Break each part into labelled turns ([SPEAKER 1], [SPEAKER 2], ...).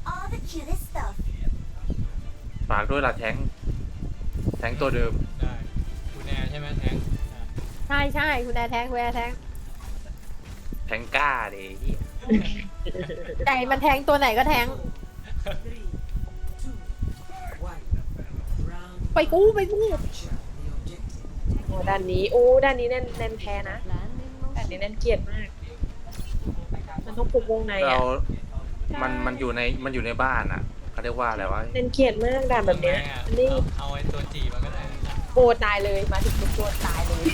[SPEAKER 1] all the cutest stuff.
[SPEAKER 2] ฝากด้วยล่ะแทงตัวเดิม
[SPEAKER 3] ได้คุณแอร์ใช่ไหมแทง
[SPEAKER 4] ใช่ใช่คุณแอร์แทงคุณแอร์แทง
[SPEAKER 2] แทงกล้าดิเหี้ย
[SPEAKER 4] ไก่มันแทงตัวไหนก็แทง ไปกู้
[SPEAKER 5] โอ้ด้านนี้ด้านนี้แน่นแพ้นะด้านนี้แน่นเกลียดมาก มันต้องปลุกวงใน
[SPEAKER 2] เรา
[SPEAKER 5] อ่ะ
[SPEAKER 2] มันอยู่ในบ้านอ่ะเขาเรียกว่าอะไรวะ
[SPEAKER 5] แน่นเกลียดมากด่านแบบเนี้ยอันนี้
[SPEAKER 3] เอาไอ้ตัวจีมาก็ได้
[SPEAKER 5] โบตายเลยมาถึงปุ๊บโดนตายเลย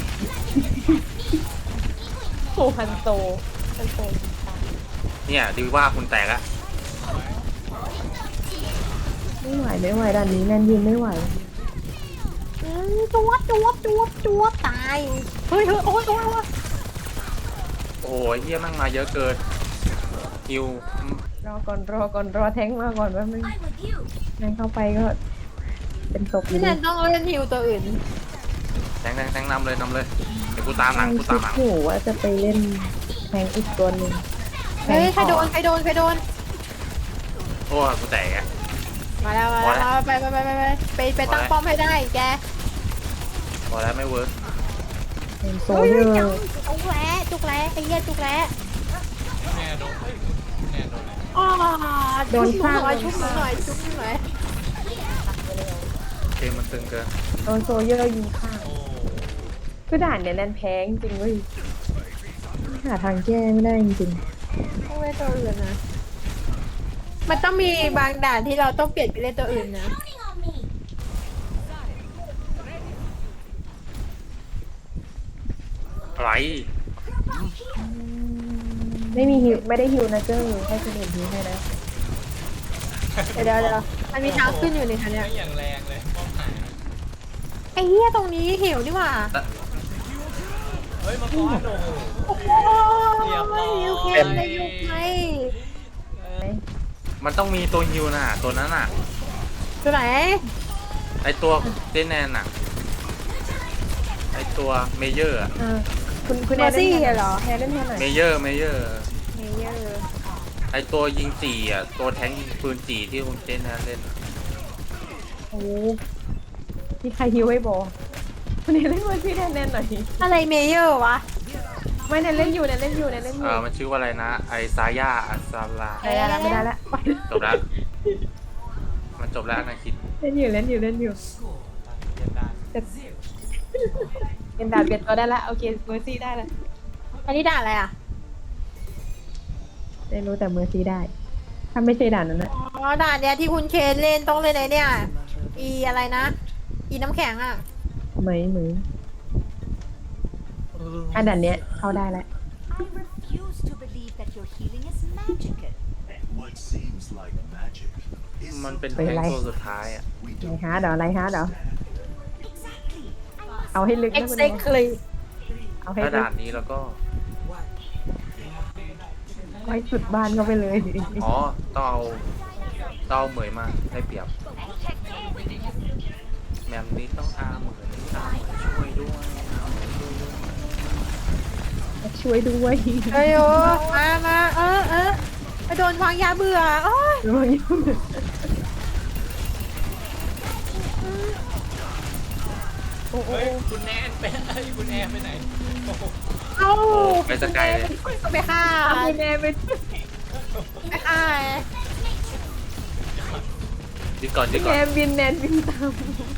[SPEAKER 5] โอ้ฮันโตตาย
[SPEAKER 2] เนี่ยดีว่าคุณแตกอะ
[SPEAKER 5] ไม่ไหวด่านนี้แน่นยืนไม่ไหว
[SPEAKER 4] จวบตาย เฮ้ยโอ้ย
[SPEAKER 2] โอ้ยเฮียแมั่งมาเยอะเกินฮิว
[SPEAKER 5] รอแท้งมาก่อนแป๊บนึง
[SPEAKER 1] I'm with you.
[SPEAKER 5] แท้งเข้าไปก็เป็นศพอยู่
[SPEAKER 4] พี่แนนต้องเล่นฮิวตัวอื่น
[SPEAKER 2] แทงนำเลยเดี๋ยวกูตามหลัง
[SPEAKER 5] คิดอยู่ว่าจะไปเล่นแทงอีกตัวหนึ่ง
[SPEAKER 4] เฮ้ยใครโดน
[SPEAKER 2] โอ้ยกูแตกอะ
[SPEAKER 4] มาแล้วไปตั้งป้อมให้ได้แก
[SPEAKER 2] พอแล้วไม่เวิร์ก
[SPEAKER 5] เป็นโซ
[SPEAKER 4] เฮ้ย
[SPEAKER 5] เยอร์
[SPEAKER 4] จุกแร้ไอ้เหี้ยจุกแร้
[SPEAKER 3] คุณแอร์โดนเฮ้ยคุณแอร์โดนอะไร
[SPEAKER 4] อ๋อโดนฆ่าชุบหน่อย
[SPEAKER 2] เกมมันตึงเกิน
[SPEAKER 5] โดนโซเยอร์ยิงข้าง
[SPEAKER 3] โอ้
[SPEAKER 5] คือด่านเนี่ยแน่นแพ้จริงๆเว้ยหาทางแก้ไม่ได้จริง
[SPEAKER 4] ต้องเล่นตัวอื่นนะมันต้องมีบางด่านที่เราต้องเปลี่ยนไปเล่นตัวอื่นนะ
[SPEAKER 1] Counting on me.
[SPEAKER 2] อะไร
[SPEAKER 5] ๆไม่มีฮิวไม่ได้ฮิวนะเจ้าให้คนอื่นฮิวให้นะ
[SPEAKER 4] เดี๋ยวมันมีทางขึ้นอยู่ในทันเนี่ย
[SPEAKER 3] ไม่อย่างแรงเลยป้อมหาย
[SPEAKER 4] ไอ้เหี้ยตรงนี้หิวนี่หว่า
[SPEAKER 3] เฮ้ยมาก้อนโอ้โห
[SPEAKER 4] โอ้
[SPEAKER 3] เรียบร้อย
[SPEAKER 4] ยยูเคเลยยูเค
[SPEAKER 2] มันต้องมีตัวฮิวน่ะตัวนั้นน่ะ
[SPEAKER 4] ตัวไหน
[SPEAKER 2] ไอตัวเจนแนนน่ะไอตัวเมเยอร์อะ
[SPEAKER 5] คุณ
[SPEAKER 4] เมอร์ซี่เหรอ
[SPEAKER 5] แพ้เล่นแทนหน่อย
[SPEAKER 2] เมเยอร์
[SPEAKER 4] เมเยอร์
[SPEAKER 2] ไอตัวยิงจีอ่ะตัวแทงยิงปืนจีที่คุณเจนแนนเล่นอะ
[SPEAKER 5] โอ้มีใครฮิวให้บอคุณเล่นเวอร์ซี่แทนแน่นหน่อย
[SPEAKER 4] อะไรเมเยอร์วะ
[SPEAKER 5] ไม่แน่นเล่นอยู่
[SPEAKER 2] มันชื่อว่าอะไรนะไอซายาอัสซาลา
[SPEAKER 5] ได้แล้วไม่ได้แล้ว
[SPEAKER 2] จบแล้วมันจบแล้วนะคิด
[SPEAKER 5] เล่นอยู่
[SPEAKER 3] เรียนได้
[SPEAKER 5] เอ็นดาบเปลี่ยนตัวได้ละโอเคเมอร์ซี่ได้ละ
[SPEAKER 4] อันนี้ด่านอะไรอ่ะ
[SPEAKER 5] ได้รู้แต่เมอร์ซี่ได้ ถ้าไม่ใช่ด่านนั้นนะ
[SPEAKER 4] อ๋อด่านเนี้ยที่คุณเคนเล่นต้องเล่นไอ้เนี่ยอีอะไรนะอีน้ำแข็งอ่ะ
[SPEAKER 5] เหมยอันด่านเนี้ยเข้าได้แล้ว
[SPEAKER 1] I refuse to believe that your healing is magical.
[SPEAKER 6] What seems like magic is
[SPEAKER 2] มันเป็น
[SPEAKER 5] เป็น
[SPEAKER 2] แทง
[SPEAKER 5] ไร
[SPEAKER 2] ตัวสุดท้ายอ่ะ
[SPEAKER 6] we
[SPEAKER 5] ไร
[SPEAKER 6] don't
[SPEAKER 5] ฮาร์ดเหรอ
[SPEAKER 1] Exactly. I must
[SPEAKER 5] เอาให้ลึกนะคุณแม่
[SPEAKER 4] exactly
[SPEAKER 5] เอาให้
[SPEAKER 2] ถ้า
[SPEAKER 5] ลึก
[SPEAKER 2] ด่านนี้แล้วก็
[SPEAKER 5] ให้สุดบ้านเข้าไปเลย
[SPEAKER 2] อ๋อต้องเอาเหมยมาได้เปรียบแมมนี้ต้องอาเหมยช่วยด้วยอาเหมยช่วยด้วย
[SPEAKER 5] ช่วยด้วย
[SPEAKER 4] เอ้ยโอ้มาไปโดนวางยาเบื่อโอ้ย
[SPEAKER 5] ระวังยุ่งโอ้โห
[SPEAKER 3] เฮ้ยคุณแนนไปคุณแอร์ไปไหนโอ้โห
[SPEAKER 4] เอ้า
[SPEAKER 2] ไปสกายเลย
[SPEAKER 4] ไปฆ่า
[SPEAKER 5] เอาคุณแม่ไป
[SPEAKER 4] ไปฆ่า
[SPEAKER 2] ยึดก่อน
[SPEAKER 5] แนนบินตาม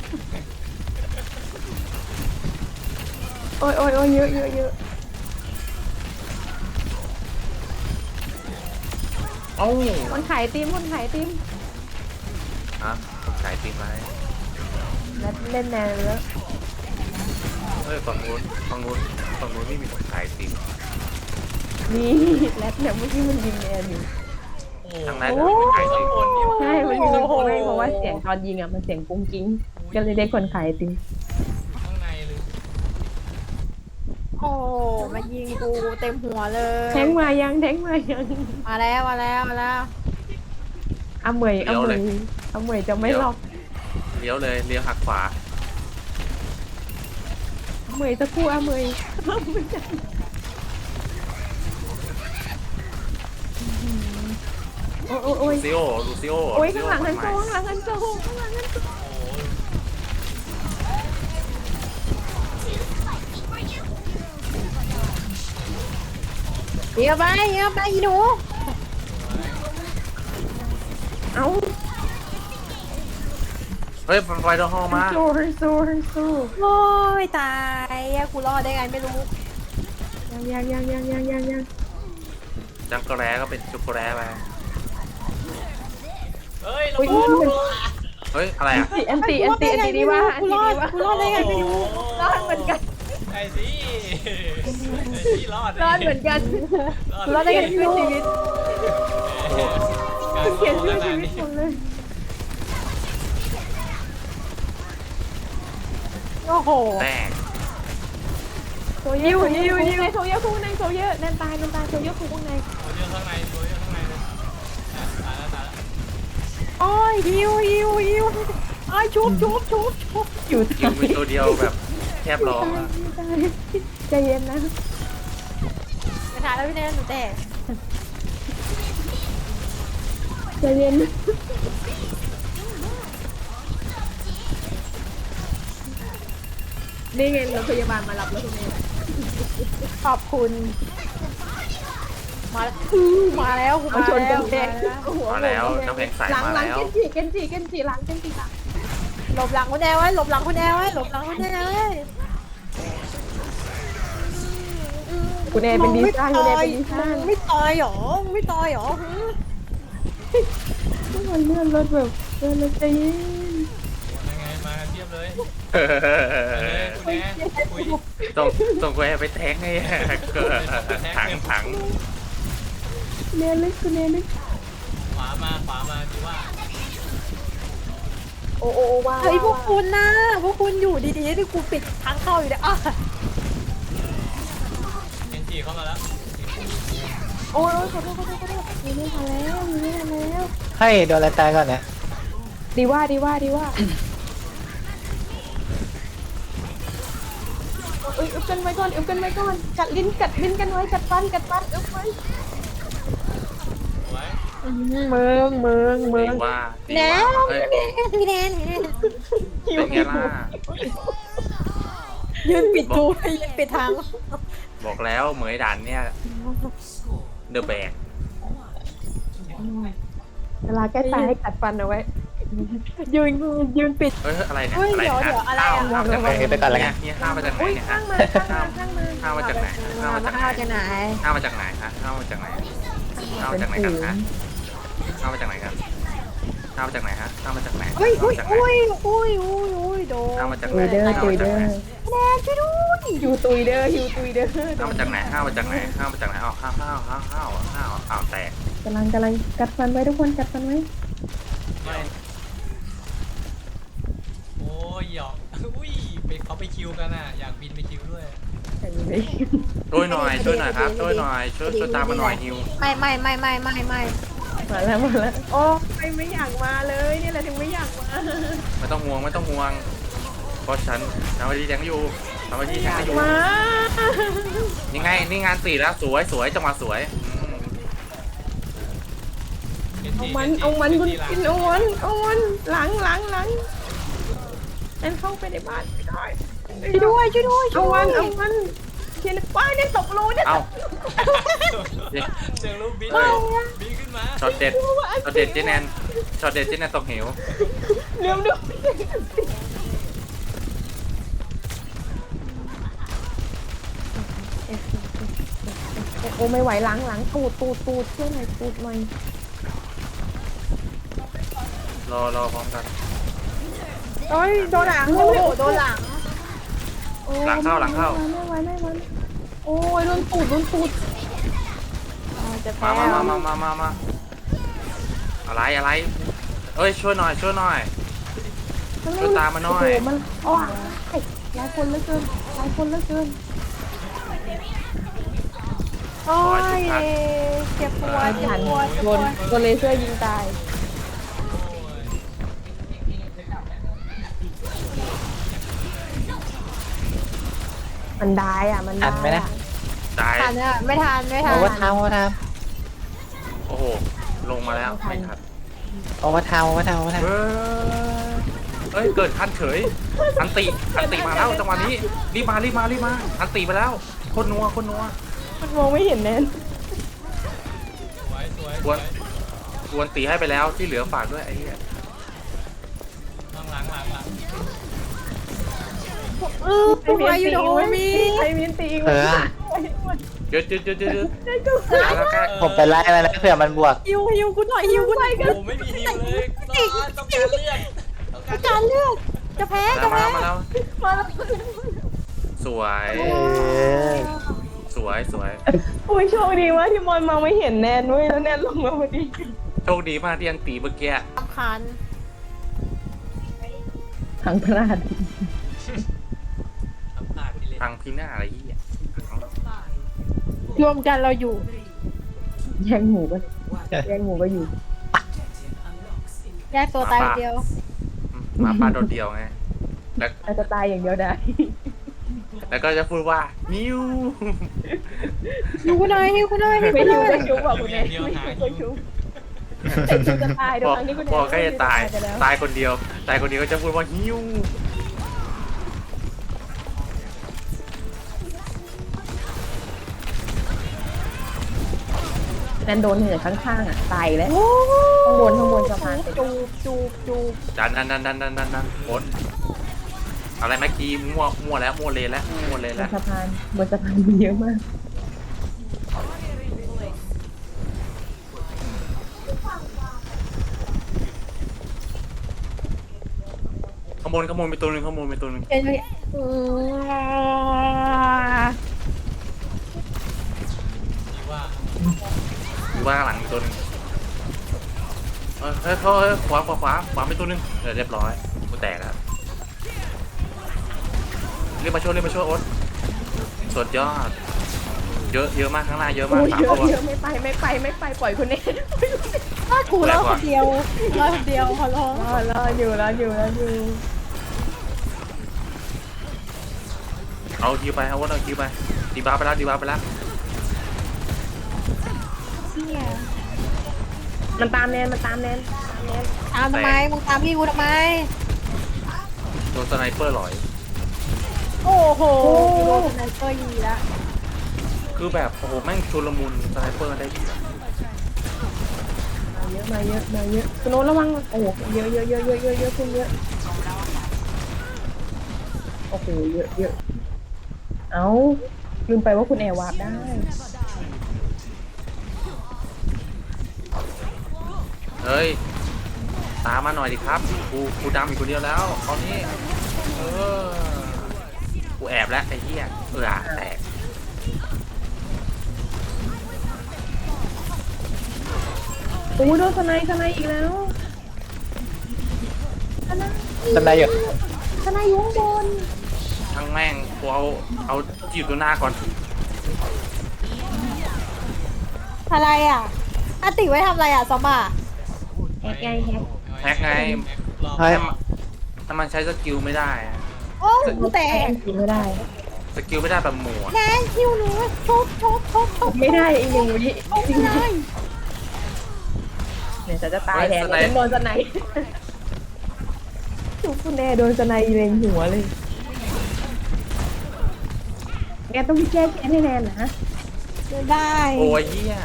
[SPEAKER 5] โอ้ยเยอะ
[SPEAKER 2] เอ้า
[SPEAKER 5] คนขายติม
[SPEAKER 2] ฮะผมขายตีมไหม
[SPEAKER 5] แล้วเล่นแนนแล้ว
[SPEAKER 2] เฮ้ยฝั่งนู้นไม่มีคนขายตีม
[SPEAKER 5] นี่แล้วเนี่ยเมื่อกี้มันยิงแนนอยู่
[SPEAKER 3] โอ้โห
[SPEAKER 2] ทางนั้นไม่มีขายตีม
[SPEAKER 3] คนนี่
[SPEAKER 5] ใช่มันยิงไม่เพราะว่าเสียงตอนยิงอ่ะมันเสียงกุ้งกิ้งก็เลยได้คนขายติม
[SPEAKER 3] ข้างในเลย
[SPEAKER 4] โอ้มายิงกูเต็มหัวเลย
[SPEAKER 5] แทงมายัง
[SPEAKER 4] มาแล้ว
[SPEAKER 5] อาเหมยจะไม่หลอก
[SPEAKER 2] เลี้ยวเลยเลี้ยวหักขวา
[SPEAKER 5] อาเหมยจะกู้อาเหมยโอ้โอ้ย
[SPEAKER 2] ลูซิโอ
[SPEAKER 5] โอ้ยข้างหลังฮันโซข้างหลังฮันโซข้างหลังฮันโซ
[SPEAKER 4] เดี๋ยวไปอีหนู
[SPEAKER 5] เอ้า
[SPEAKER 2] เฮ้ยไฟดอฮอลมา
[SPEAKER 5] ฮันโซ
[SPEAKER 4] โอ้ยตายอะกูรอดได้ไงไม่รู้
[SPEAKER 5] ยัง
[SPEAKER 2] จังกะแร้ก็เป็นจุกกะแร้ไป
[SPEAKER 3] เฮ้ยเรา
[SPEAKER 5] อุ้ย
[SPEAKER 2] เฮ้ยอะไรอ่ะ
[SPEAKER 5] แอนตี้ดีว่าแอนตี้ดีว่า
[SPEAKER 4] กูรอดได้ไงไม่รู้
[SPEAKER 5] รอดเหมือนกัน
[SPEAKER 3] ไอ้สิไอ้สิรอด
[SPEAKER 5] รอดเหมือนกัน
[SPEAKER 4] รอดได้ไงไม่รู้ชีวิต
[SPEAKER 5] เขียนชื่อชีวิตหมดเลย
[SPEAKER 4] โอ้โห
[SPEAKER 2] แตก
[SPEAKER 5] โซเยอร์คู่ในโซเยอร์แนนตายโซเยอร์คู่ข้างใน
[SPEAKER 3] ตัวเยอะข้างในเลยตายแล้ว
[SPEAKER 4] โอ้ยฮิวไอ้ชุบอยู่
[SPEAKER 2] คิวมีตัวเดียวแบบแทบร้องอะ
[SPEAKER 5] ใจเย็นนะ
[SPEAKER 4] ไม่ทันแล้วพี่แนนหนูแตก
[SPEAKER 5] ใจเย็นนี่ไงรถพยาบาลมารับแล้วคุณเมย์
[SPEAKER 4] ขอบคุณ มาแล้วมาแล้วกู
[SPEAKER 5] มาชนกันแดง
[SPEAKER 2] มาแล้วน้ำแข็งใส
[SPEAKER 5] หลัง
[SPEAKER 2] มา
[SPEAKER 5] หลัง
[SPEAKER 2] แล้ว
[SPEAKER 5] เกนจิหลัง
[SPEAKER 4] หลบหลังคุณแนวไว้หลบหลังคุณแนวไว้หลบหลังคุณแนวไว้
[SPEAKER 5] คุณเอเป็นดีซ่าคุณเอเป็นดีซ่า
[SPEAKER 4] ไม่ตายหรอไม่ตายหรอ
[SPEAKER 5] ทุกคนเลื่อนรถแบบเลื่อนรถใจเย็น
[SPEAKER 3] ยังไงมาเทียบเลย
[SPEAKER 2] เออ
[SPEAKER 3] คุณแม่คุย
[SPEAKER 2] ส่งไปไปแทงไงถัง
[SPEAKER 5] เลื่อนเลยคุณเอเลย
[SPEAKER 3] ขวามาดีว่า
[SPEAKER 5] โอ้ว้าว
[SPEAKER 4] เฮ้ยพวกคุณนะพวกคุณอยู่ดีๆที่กูปิดทางเข้าอยู่เนี่ย
[SPEAKER 3] เอ็นจีเข้ามาแล้ว
[SPEAKER 5] โอ้ยขอโทษมีไม่ทันแล้ว
[SPEAKER 7] ให้โดนอะไรตายก่อนเนี่ย
[SPEAKER 5] ดีว่าอึบกันไว้ก่อนกัดลิ้นกันไว้กัดฟันอึบไว้
[SPEAKER 3] ไว้
[SPEAKER 4] เมือง
[SPEAKER 2] ดีว่าเฮ้ย
[SPEAKER 4] พี่แนน
[SPEAKER 2] เป็นไงล่ะ
[SPEAKER 4] ยืนปิดทูยืนปิดทาง
[SPEAKER 2] บอกแล้วเหมยดันเนี่ยเดอะแบก
[SPEAKER 5] เวลาแก้ตายให้กัดฟันเอาไว้
[SPEAKER 4] ยืนปิด
[SPEAKER 2] เฮ้ยอะไรเนี่ย
[SPEAKER 4] เฮ้ย
[SPEAKER 2] อะไร
[SPEAKER 4] เดี๋ยว
[SPEAKER 2] นะ
[SPEAKER 4] อะไรอะ
[SPEAKER 2] ห้าวจากไหน
[SPEAKER 7] ไปก่อนแล้วกัน
[SPEAKER 2] เนี่ยห้าวมาจากไหนเนี่ย
[SPEAKER 5] ข้างมา
[SPEAKER 2] ห้าวมาจากไหนห้าวมาจากไหน
[SPEAKER 4] ข้าวจะไหน
[SPEAKER 2] ห้าวมาจากไหนฮะห้าวมาจากไหนห้าวมาจากไหนกันฮะห้าวมาจากไหนกันห้าวมาจากไหนฮะห้าวมาจากไหน
[SPEAKER 4] อุ้ย
[SPEAKER 2] ห้าวมาจากไหน
[SPEAKER 4] โดน
[SPEAKER 2] ห้าวมาจากไหน
[SPEAKER 5] ตุยเด้อ
[SPEAKER 2] ห้าวมาจากไหน
[SPEAKER 4] แนนช่วยด้วย
[SPEAKER 5] ฮิวตุยเด้อ
[SPEAKER 2] ห้าวมาจากไหนห้าวมาจากไหนห้าวมาจากไหนอ้าวห้าวแตก
[SPEAKER 5] กำลังกัดฟันไว้ทุกคนกัดฟันไว้
[SPEAKER 3] ไม่โอ้ยหยอกอุ้ยไปเขาไปคิวกันอ่ะอยากบินไปคิวด้วย
[SPEAKER 2] ช่วยหน่อยครับช่วยหน่อยช่วยตามมาหน่อยฮิว
[SPEAKER 4] ไม่
[SPEAKER 5] มาแล้วโอ้ไม่อยากมาเลยนี่แหละถึงไม่อยากมา
[SPEAKER 2] ไม่ต้องห่วงเพราะฉันทำหน้าที่แทงอยู่ทำหน้าที่แทงอยู่
[SPEAKER 5] มา
[SPEAKER 2] นี่ไงนี่งาน4แล้วสวยจังหวะสวย
[SPEAKER 5] เอามันคุณกินเอามันหลังนั่นเข้าไปในบ้านไม่ได้
[SPEAKER 4] ช่วยด้วย
[SPEAKER 5] เอามันเทียนป้ายเนี่ยตกรูเนี่ย
[SPEAKER 2] เอ้า
[SPEAKER 3] เสียงลูกบินขึ้นมา
[SPEAKER 2] ช็อตเด็ดเจแนนตกเหว
[SPEAKER 5] เร็วดูโอ้ไม่ไหวหลังตูดช่วยหน่อยตูดหน่อย
[SPEAKER 2] รอพร้อมกัน
[SPEAKER 4] โอ้ยโดนหลังโอ้โหโดนหลัง
[SPEAKER 2] หลังเข้า
[SPEAKER 5] ไม่ไหวโอ้ยโดนตูด
[SPEAKER 4] จะแพ้
[SPEAKER 2] มาอะไรเอ้ยช่วยหน่อยช่วยตามมาหน่อย
[SPEAKER 5] มันอ๋อหลายคนเหลือเกิน
[SPEAKER 4] โอ้ยเจ็บปวด
[SPEAKER 5] โดนเลเซอร์ยิงตายมันได้อ่ะมัน
[SPEAKER 7] ทันไหมนะ
[SPEAKER 2] ตาย
[SPEAKER 4] ทันอะไม่ทัน
[SPEAKER 7] โอ้ว่าทำ
[SPEAKER 2] โอ้โหลงมาแล้วไม่ทัน
[SPEAKER 7] เอามาทำเอามาทำเอามาท
[SPEAKER 2] เอ้ยเกิดคันเฉยอันติมาแล้วจังหวะนี้รีบมาอันติไปแล้วคนนัว
[SPEAKER 5] มันมองไม่เห็นแน่น
[SPEAKER 3] สวย
[SPEAKER 2] กวนตีให้ไปแล้วที่เหลือฝากด้วยไอ้เหี้ย
[SPEAKER 3] หลัง
[SPEAKER 4] ตัวอยู่โดมี
[SPEAKER 5] ไอ้มินตี
[SPEAKER 7] ำเออ
[SPEAKER 2] เยอะแล้วแค่
[SPEAKER 7] ผมไปไล่มาแล้วเผื่อมันบวก
[SPEAKER 4] ฮิวกูหน่อยฮิวกูหน่อย
[SPEAKER 3] โอ้ไม่มีฮิวเลยต้องการเลือด
[SPEAKER 4] การเลือกจะแพ้จะ
[SPEAKER 2] มา
[SPEAKER 4] แพ้
[SPEAKER 2] แล้ว
[SPEAKER 5] มาแล้ว
[SPEAKER 2] สวย
[SPEAKER 7] เออ
[SPEAKER 2] สวย
[SPEAKER 5] อุ้ยโชคดีมากที่มอนมองไม่เห็นแนนเว้ยแล้วแนนลงมาพอดี
[SPEAKER 2] โชคดีมากที่อันตีเมื่อกี้
[SPEAKER 4] สำคัญ
[SPEAKER 5] ทางพลาด
[SPEAKER 3] ทำพลาดไปเลย
[SPEAKER 2] พังพินาศอะไรเหี้ย
[SPEAKER 4] รวมกันเราอยู่
[SPEAKER 5] แย่งหมูก็อยู่
[SPEAKER 4] แยกตัวตายเดียว
[SPEAKER 2] หมาป่าโดดเดียวไงแล้ว
[SPEAKER 5] อาจจะตายอย่างเดียวได้
[SPEAKER 2] แล้วก็จะพูดว่านิว
[SPEAKER 4] ฮิวกูหน่อยฮิวกูหน่อยฮิว
[SPEAKER 5] ไม่
[SPEAKER 4] กูห
[SPEAKER 5] ชุ
[SPEAKER 4] น่
[SPEAKER 5] บ
[SPEAKER 4] อย
[SPEAKER 5] ไม่ชุบบอกคุณแม่ไม่ชุบไม่ชุบจะตายเดี๋ยวครั้งนี้คุณแม่
[SPEAKER 2] พอใกล้จะตาย
[SPEAKER 5] ไปแล้ว
[SPEAKER 2] ตายคนเดียวก็จะพูดว่าฮิว
[SPEAKER 5] แนนโดนเหนือข้างๆอ่ะตายแล้วข้างบนสะพาน
[SPEAKER 4] จูบ
[SPEAKER 2] ดันโอนอะไรเมื่อกี้มั่วแล้วมั่วเลนแล้ว
[SPEAKER 5] บนสะพานมีเยอะมาก
[SPEAKER 2] ขโมยไปตัวหนึง
[SPEAKER 4] เป็นไง
[SPEAKER 3] ดีว่า
[SPEAKER 2] อยู่ว่าข้างหลังอีกตัวหนึงเฮ้ยขวาไปตัวหนึงเรียบร้อยกูแตกแล้วเรียกมาช่วยโอ๊ตสุดยอดเยอะมากข้างหน้าเยอะมาก
[SPEAKER 5] อุ้ย
[SPEAKER 2] สาม
[SPEAKER 5] เยอะ
[SPEAKER 2] ตัว
[SPEAKER 5] เยอะไม่ไปปล่อยคุณแม่
[SPEAKER 4] ถ้ากูรอดคนเดียวขอร้อง
[SPEAKER 5] รออยู่
[SPEAKER 2] เอาคิวไปเอาคิวไปดีบาร์ไปแล้ว
[SPEAKER 4] เนี่ย
[SPEAKER 5] มันตามแนน
[SPEAKER 4] ตามทำไมมึงตามพี่กูทำไม
[SPEAKER 2] โดนสไนเปอร์หลอย
[SPEAKER 4] โอ้โหโดนสไนเปอร์ยีละ
[SPEAKER 2] คือแบบโอ้โหแม่งชุลมุนสไนเปอร์ได้ดี
[SPEAKER 5] มาเยอะคุณโน้ตระวังโอ้โหเยอะคุณเยอะโอ้โหเยอะเอ้าลืมไปว่าคุณแอร์วาร์ปได้
[SPEAKER 2] เฮ้ยตามมาหน่อยดิครับกูดำอีกคนเดียวแล้วตอนนี้กูแอบแล้วไอ้เหี้ยแตก
[SPEAKER 5] โอ้โดนสไนอีกแล้ว
[SPEAKER 7] ทำไรอยู่
[SPEAKER 5] สไนอยู่ข้างบน
[SPEAKER 2] ทั้งแม่งกูเอาจีบตัวหน้าก่อน
[SPEAKER 4] อะไรอ่ะอาติไว้ทำอะไรอ่ะซอมบ้า
[SPEAKER 2] แฮกไง
[SPEAKER 7] เฮ้ย
[SPEAKER 2] ถ้ามันใช้สกิลไม่ได้อะ
[SPEAKER 4] โอ้กูแตก
[SPEAKER 5] กินไม่ได้
[SPEAKER 2] สกิลไม่ได้แบบหมู่อะ
[SPEAKER 4] แนนคิวหนูชก
[SPEAKER 5] ไม่ได้อีก1 วิ
[SPEAKER 4] ไม่ได้
[SPEAKER 5] เนี่ยจะตายแทนโดนสไนทุกคุณแอร์โดนสไนเล็งหัวเลยแกต้องแก้แค้นให้แนนนะ
[SPEAKER 4] ไม่ได้
[SPEAKER 2] โอ้ยเหี้ย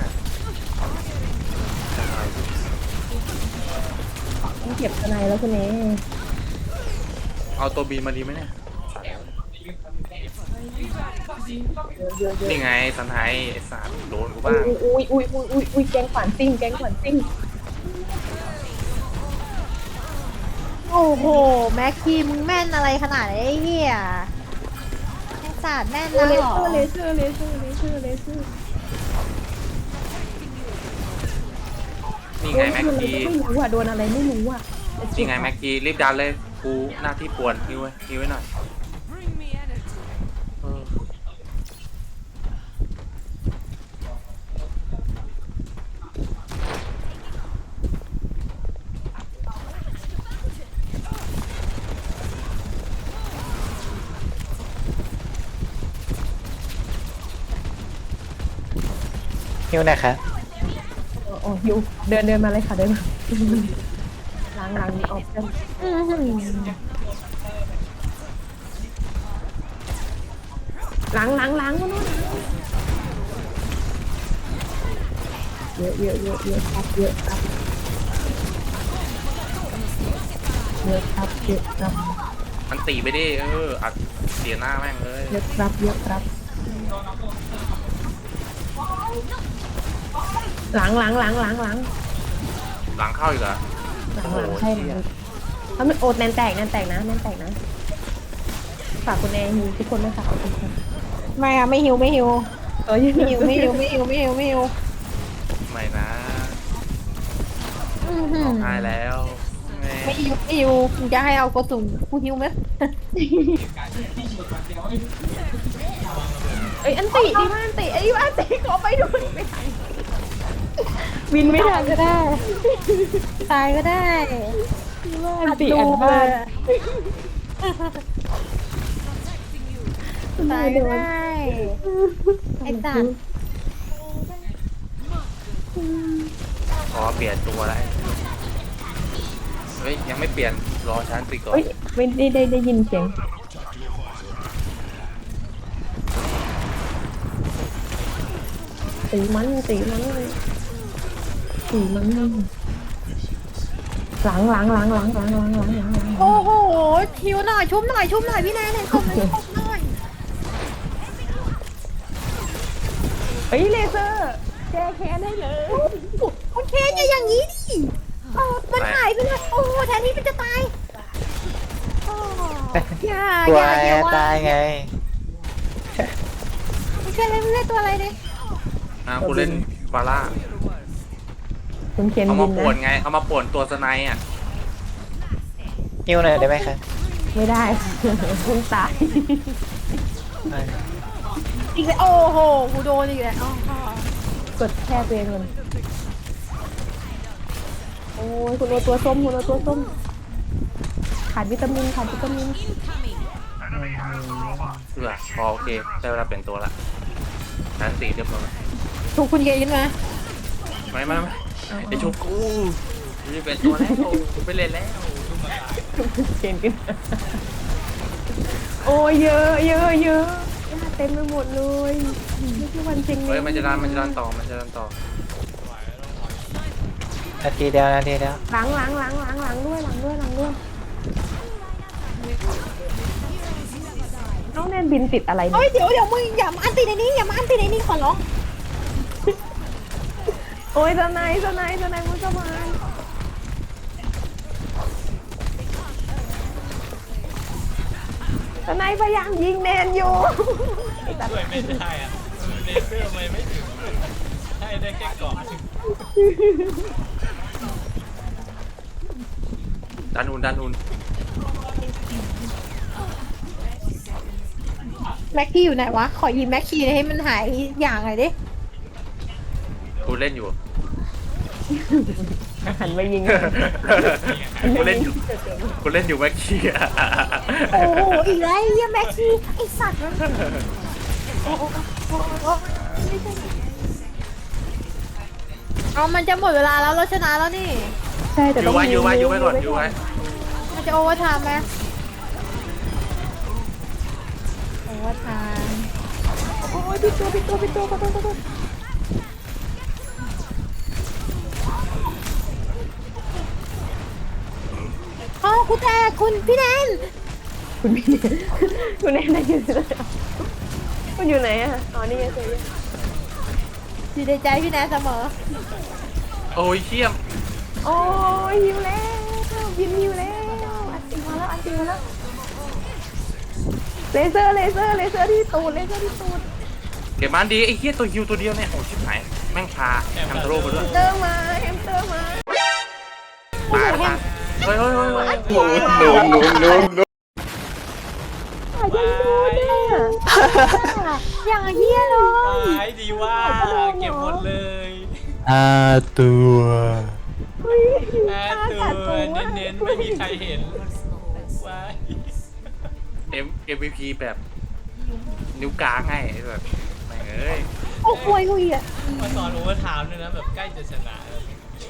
[SPEAKER 5] ต้องเก็บสไนแล้วคุณแอร์
[SPEAKER 2] เอาตัวบีมาดีไหมเนี่ย
[SPEAKER 5] เยอะ
[SPEAKER 2] นี่ไงสันไทยไอ้สัตว์โดนกูบ้าง
[SPEAKER 5] อุ้ยแกงขวัญซิ่ง
[SPEAKER 4] โอ้โหแม็กกี้มึงแม่นอะไรขนาดนี้ไอ้เหี้ยไอ้ศาสตร์แม่น
[SPEAKER 5] เล
[SPEAKER 4] นะหรอ
[SPEAKER 5] เซอร์นี่
[SPEAKER 2] ไงแม็กกี้
[SPEAKER 5] ไม่รู้อ่ะโดนอะไรไม่รู้อ่ะ
[SPEAKER 2] นี่ไงแม็กกี้รีบดันเลยกูหน้าที่ป่วนฮิวไว้หน่อยเออ
[SPEAKER 7] หิวหนะครับ
[SPEAKER 5] โอ้ยูเดินมาเลยค่ะเดินมาล้างออกกันล้างมาโน่นเยอะครับเยอะครับ
[SPEAKER 2] มันตีไปดิอัดเสียหน้าแม่งเลย
[SPEAKER 5] เยอะครับล้าง
[SPEAKER 2] หลังเข้าอีกเหรอ
[SPEAKER 5] ใช่ไหมแล้วมันโอดแนนแตกนะฝากคุณแอร์ฮิวทุกคนด้วยค่ะขอบคุณค่ะ
[SPEAKER 4] ไม่อะไม่หิว
[SPEAKER 5] ไม่หิว
[SPEAKER 2] ไม่นะ
[SPEAKER 4] อื้อหือ
[SPEAKER 2] ตายแล้วแม่
[SPEAKER 4] ไม่หิวมึงจะให้เอากระสุนกูหิวไหม
[SPEAKER 5] เอ้ยอันติดีมากอันติขอไปดูไม่ทันบินไม่ทัน
[SPEAKER 4] ก็ได้ตายก็ได้
[SPEAKER 5] อันติอันบ้าน
[SPEAKER 4] ตายก็ได้ไอ้สัตว์
[SPEAKER 2] ขอเปลี่ยนตัวแล้วเฮ้ยยังไม่เปลี่ยนรอฉันตีก่อน
[SPEAKER 5] เอ้ยไม่ได้ยินเสียงตีมันล้าง
[SPEAKER 4] โอ้โหหิวหน่อยชุบหน่อยพี่แนนเลยชุบหน่อย
[SPEAKER 5] เฮ้ยเลเซอร์แก้แค้นได้เลย
[SPEAKER 4] โอเคอย่าอย่างนี้ดิมันหายไปเลยโอ้โหแทนที่มันจะตายอย่า
[SPEAKER 7] ตัว
[SPEAKER 4] อย่า
[SPEAKER 7] ตายไง
[SPEAKER 4] ไม่ใช่เล่นตัวอะไรเนี่ย
[SPEAKER 2] กูเล่นบาร่า
[SPEAKER 5] คุณเคน
[SPEAKER 2] เอา
[SPEAKER 5] บิ
[SPEAKER 2] มาน ป่วน
[SPEAKER 5] นะ
[SPEAKER 2] ไงเอามาป่วนตัวสไนด์อ่ะ
[SPEAKER 7] หิวหน่อยได้ไหมคะ
[SPEAKER 5] ไม่ได้ คุณตาย
[SPEAKER 4] อีกแล้วโอ้โหกูโดนอีกแล้ว
[SPEAKER 5] กดแช่ตัวเองมันโอ้ยคุณโอตัวส้มขาดวิตามิน
[SPEAKER 2] พอโอเคได้เวลาเปลี่ยนตัวละฉันตีเรียบร้อย
[SPEAKER 4] ถูกคุณเกยินมา
[SPEAKER 2] ไม่ไอชุบกูจะเปลี่ยนตัวแล้วกูไปเล่นแล้ว
[SPEAKER 5] เก่งขึ้นโอ้ยเยอะญาติเต็มไปหมดเลยไม่ใช่วันจริง
[SPEAKER 2] เฮ้ยมันจะดันต่อ
[SPEAKER 7] นาทีเดียว
[SPEAKER 5] ล้างด้วยน้องแนนบินติดอะไร
[SPEAKER 4] เฮ้
[SPEAKER 5] เนี่ย
[SPEAKER 4] ยเดี๋ยวมึงอย่ามาอันตีในนี้ขอร้อง
[SPEAKER 5] โอ้ยสไนมุสมานสไนพยายามยิงแนนอยู่
[SPEAKER 3] ช่วยไม่ได้อะเลเซอร์ไม่ถึงให้ได้แค่เกาะ
[SPEAKER 2] ดันอุน
[SPEAKER 4] แม็กกี้อยู่ไหนวะขอยิงแม็กกี้ให้มันหายอย่างไรดิ
[SPEAKER 2] กูเล่นอยู่
[SPEAKER 5] หันมายิง
[SPEAKER 2] กูเล่นอยู่แม็กกี้อะ
[SPEAKER 4] โอ้โหอีกแล้วไอ้เหี้ยแม็กกี้ไอ้สัตว์มันเอามันจะหมดเวลาแล้วเราชนะแล้วนี่
[SPEAKER 5] ใช่แต่
[SPEAKER 2] อ
[SPEAKER 5] ต้อยู่ ง
[SPEAKER 2] ไว้ก่อนอยู่ไว้
[SPEAKER 4] มันจะโอเวอร์ไทม์ไหมโอเวอร์ไทม์
[SPEAKER 5] โอ้ยปิดตัวขอโทษ
[SPEAKER 4] อ๋อคุณแต่คุณพี่แนน
[SPEAKER 5] คุณพี่คุณแนนได้ยินเลยคุณอยู่ไหนอะอ๋อนี่ไงเจอ
[SPEAKER 4] อยู่ในใจพี่แนนเสมอ
[SPEAKER 2] โอ้ยเชี่ยม
[SPEAKER 5] โอ้ยหิวแล้วบินหิวแล้วอันตีมาแล้วเลเซอร์ที่ตูด
[SPEAKER 2] เก็บมันดีไอ้เหี้ยตัวฮิวตัวเดียวเนี่ยโอ้ชิบหายแม่งพาแฮมทาโร่ไปด้วย
[SPEAKER 5] แฮมสเตอร์มา
[SPEAKER 2] ตายเฮ้ย
[SPEAKER 4] อย่างเฮี้ยเลย
[SPEAKER 3] ตายดีว่าเก็บหมดเลย
[SPEAKER 7] ตัว
[SPEAKER 3] ตัวเน้นไม่มีใครเห็นว้าย
[SPEAKER 2] MVP แบบนิ้วกลางให้แบบแม่งเอ้ย
[SPEAKER 4] โอ้อ้ควยกูอีกอ่ะ
[SPEAKER 3] มาสอนโอเวอร์ไทม์ด้วยนะแบบใกล้จะชนะแล้ว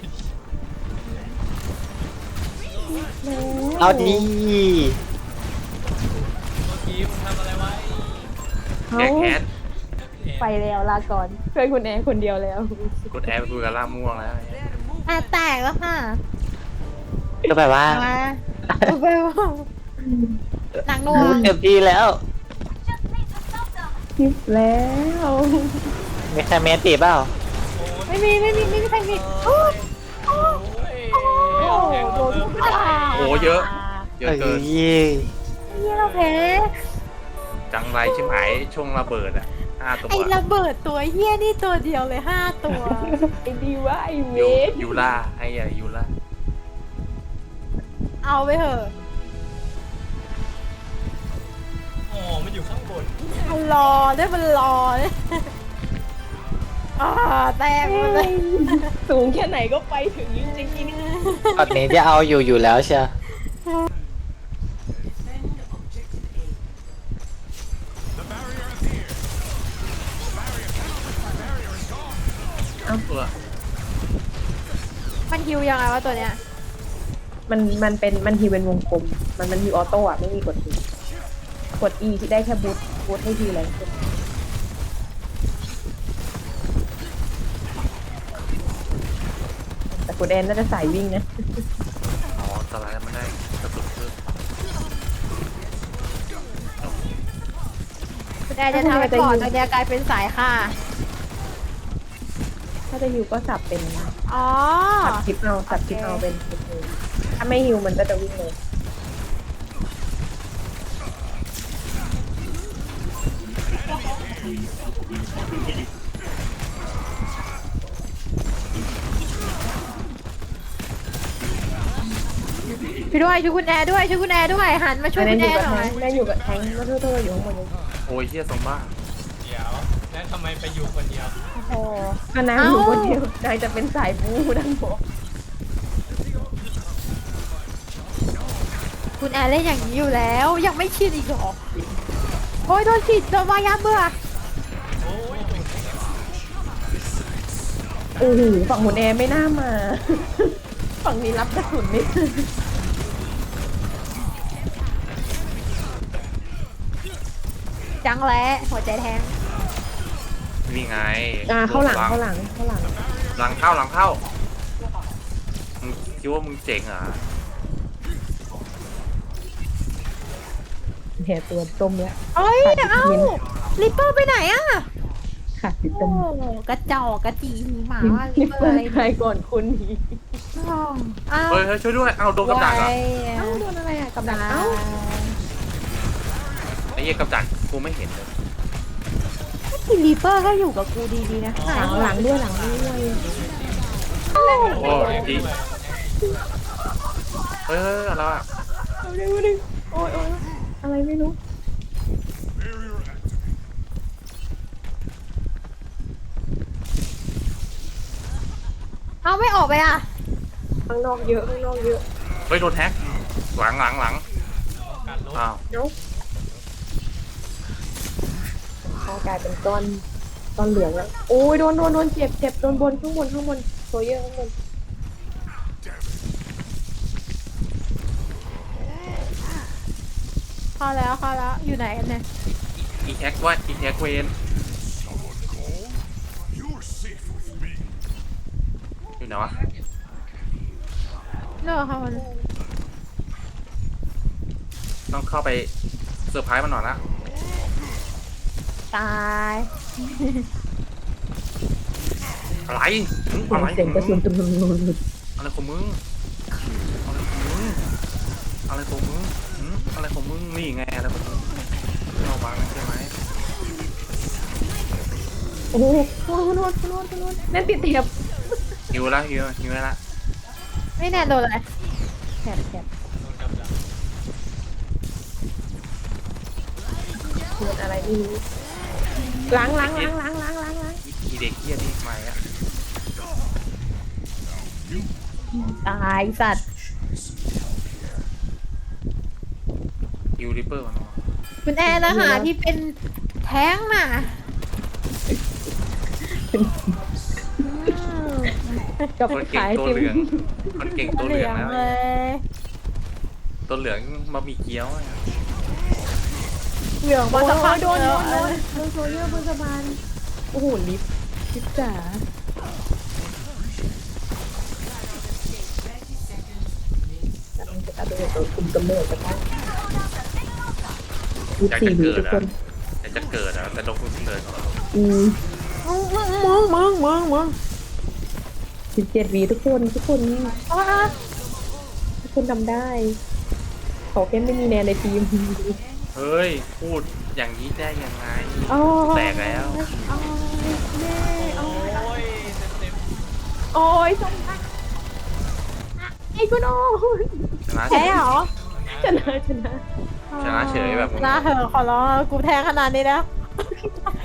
[SPEAKER 7] เอาดี
[SPEAKER 3] เมื่อกี้มึงทำอะไรไว้
[SPEAKER 2] แกแคส
[SPEAKER 5] ไปแล้วลาก่อนเพื่อนคุณแอร์คนเดียวแล้ว
[SPEAKER 2] กดแอร์ไปคุยกับล่าม่วงแล้ว
[SPEAKER 4] อ่ะแตกแล้วค่ะ
[SPEAKER 7] ก็แบบว่า
[SPEAKER 4] มาไปว่าหนังนัว
[SPEAKER 7] เต็มที่แล้ว
[SPEAKER 5] คลิปแล้ว
[SPEAKER 7] มีใครเมนตีเปล่า
[SPEAKER 4] ไม่มีใครมีโอ้
[SPEAKER 3] โอ้ย
[SPEAKER 4] โห
[SPEAKER 3] โดน
[SPEAKER 2] โอ้เยอะ เยอะเกิน
[SPEAKER 7] เอ้ย
[SPEAKER 4] นี่เราแพ้
[SPEAKER 2] จังไรชิบหายช่วงระเบิดอ่ะ5 ตัว
[SPEAKER 4] ไอ้ระเบิดตัวเฮี้ยนี่ตัวเดียวเลย5 ตัว
[SPEAKER 5] ไอ้ดีว่าไอ้เว
[SPEAKER 2] ยู
[SPEAKER 5] ท
[SPEAKER 2] ยูล่าไอ้ใหญ่ยูล่า
[SPEAKER 4] เอาไปเถอะ
[SPEAKER 3] อ๋อมันอยู่ข้างบน
[SPEAKER 4] มันรอได้มันรอเนี่ยอ่าแตกหมดเลย
[SPEAKER 5] สูงแค่ไหนก็ไปถึงจริง
[SPEAKER 7] ตอนนี้จะเอาอยู่แล้วเชียว
[SPEAKER 2] เออ
[SPEAKER 4] มันฮิวยังไงวะตัวเนี้ย
[SPEAKER 5] ๆมันทีเป็นวงกลมมันฮิวออโต้อะไม่มีกดทีกด E ที่ได้แค่บูทให้ทีแรงขึ้นแต่คุณแอนน่าจะสายวิ่งนะ
[SPEAKER 2] อ๋อสไลด์มันได้กระสุนเพิ่ม
[SPEAKER 4] คุณแอนจะทำให้ก่อนตัวเนี้ยกลายเป็นสายค่ะ
[SPEAKER 5] ถ้าจะฮิวก็สับเป็น
[SPEAKER 4] อ๋อ
[SPEAKER 5] สับคลิปเอาเป็นถ้าไม่ฮิวมันก็จะวิ่งเลย
[SPEAKER 4] พี่ด้วยช่วยคุณแอร์ด้วยช่วยคุณแอร์ด้วยหันมาช่วย
[SPEAKER 5] แม่
[SPEAKER 4] คุณ
[SPEAKER 5] อ
[SPEAKER 4] แอยู่
[SPEAKER 5] กับ
[SPEAKER 4] ร์ห
[SPEAKER 5] แท
[SPEAKER 4] น่อย
[SPEAKER 5] งแม่อยู่กับแทงมาโทษอยู่ข้างบนเลย
[SPEAKER 2] โอ้ยเฮียซอมบ้า
[SPEAKER 3] เดี๋ยวแล้วทำไมไปอยู่คนเดียว
[SPEAKER 4] โอ้โห
[SPEAKER 5] ถ้านางอยู่คนเดียวนางจะเป็นสายบูดังบอก
[SPEAKER 4] คุณแอร์เล่นอย่างนี้อยู่แล้วยังไม่ชินอีกเหรอโอ้ยโดนฉีดโดนวายาเบื่อ
[SPEAKER 3] โอ้ย
[SPEAKER 5] โอ้โหฝั่งหุ่นแอร์ไม่น่ามา ฝั่งนี้รับกระสุนไม่
[SPEAKER 4] จังแล้หัวใจแทง
[SPEAKER 2] นี่ไง
[SPEAKER 5] เข้าหลัง
[SPEAKER 2] หลังเข้าหลังเข้ามึงคิดว่ามึงเจ๋งเหรอ
[SPEAKER 5] แห่ตัวต้มแล้ว
[SPEAKER 4] เอ้ยเอ้าลิปเปอร์ไปไหนอะ
[SPEAKER 5] ค่ะพี่
[SPEAKER 4] โอ้
[SPEAKER 5] ต้ม
[SPEAKER 4] กระจอกกระจีหมาว่าลิ
[SPEAKER 5] นี่
[SPEAKER 4] ปเปอ
[SPEAKER 5] เปิ
[SPEAKER 4] ร์
[SPEAKER 5] ด
[SPEAKER 4] อะไร
[SPEAKER 5] ใครก่อนคุณอีก
[SPEAKER 4] อ้าว
[SPEAKER 2] เฮ้ยเฮ้ยช่วยด้วยเอาโดนกับดักเหรอ
[SPEAKER 5] เอ้าโดนอะไรอ่ะกับดักเอ้า
[SPEAKER 2] ไอ้เหี้ยกับดักกูไม่เห็นเลย
[SPEAKER 4] ที่ลิปเปอร์ก็อยู่กับกูดีๆนะหาย
[SPEAKER 5] หลังด้วยหลังด้วย
[SPEAKER 2] โอ้ยดีเฮ้ยอะไรอ่ะ
[SPEAKER 5] เอาเร็วดิโอ้ยอะไรไม่รู้
[SPEAKER 4] เอาไม่ออกไปอ่ะ
[SPEAKER 5] ข้างนอกเยอะ
[SPEAKER 2] เฮ้ยโดนแฮกหลัง
[SPEAKER 3] การลบ
[SPEAKER 2] อ้าว
[SPEAKER 5] เนาะข้างกลายเป็นก้อนเหลืองแล้วโอ้ยโดนเจ็บโดนบนข้างบนโซเยอร์ข้างบน
[SPEAKER 4] เข้าแล้วอยู่ไหนกันเนี่ย
[SPEAKER 2] อีแฮกเวน
[SPEAKER 6] You're safe with me.
[SPEAKER 2] อยู่ไหนวะ
[SPEAKER 4] เลิกค่ะมัน
[SPEAKER 2] ต้องเข้าไปเซอร์ไพรส์มันหน่อยละ
[SPEAKER 4] ตาย
[SPEAKER 2] อะไรอะไร
[SPEAKER 5] เสียงกระสุนตุ้ม
[SPEAKER 2] อะไรของมึงอะไรของมึงนี่ไงอะไรของมึงเราวางใช่ไหม
[SPEAKER 5] โอ้โหคุณโนนั่นติดเตียบ
[SPEAKER 2] หิวแล้วละ
[SPEAKER 4] ไม่แน่โดนอะไร
[SPEAKER 5] แถบ
[SPEAKER 3] โดนกับดัก
[SPEAKER 5] โดนอะไรไม่รู้ล้าง
[SPEAKER 2] อีเด็กเหี้ยนี่มาอ่ะ
[SPEAKER 5] ตายสัตว์
[SPEAKER 2] ฮิวริปเปอร์มัน
[SPEAKER 4] คุณแอนนะคะที่เป็นแท้งน่ะ
[SPEAKER 5] กับ
[SPEAKER 2] คนเก่ง
[SPEAKER 5] ขาย
[SPEAKER 2] ตัว
[SPEAKER 5] ติม
[SPEAKER 2] เหลืองคนเก่งตัวเหลืองแล้ว
[SPEAKER 4] เลย
[SPEAKER 2] ตัวเหลืองบะหมี่เกี๊ยวอะ
[SPEAKER 4] เหลือง
[SPEAKER 5] โอ้
[SPEAKER 4] มาสักพัก
[SPEAKER 5] โดน
[SPEAKER 4] แล้ว
[SPEAKER 5] โซเยอร์บนสะพานโอ้โหลิฟต์จ๋า
[SPEAKER 2] อยากจะเกิดอะอยากจะเกิดอะแต่โดนคนเกิด
[SPEAKER 4] มึง
[SPEAKER 5] 17 วีทุกคนทุกคนทำได้ขอแค่ไม่มีแนนในทีม
[SPEAKER 2] เฮ้ยพูดอย่างนี้ได้ยังไง
[SPEAKER 5] อ๋อ
[SPEAKER 2] แตกแล้ว
[SPEAKER 3] โอ้ยเต็ม
[SPEAKER 5] โอ้ยสมทักไอ้คุณโอ้ย
[SPEAKER 2] ชนะ
[SPEAKER 4] แพ้เหรอ
[SPEAKER 5] ชนะ
[SPEAKER 2] ชนะเฉยแบบ
[SPEAKER 4] นะเหอะขอร้องกูแทงขนาดนี้แล้ว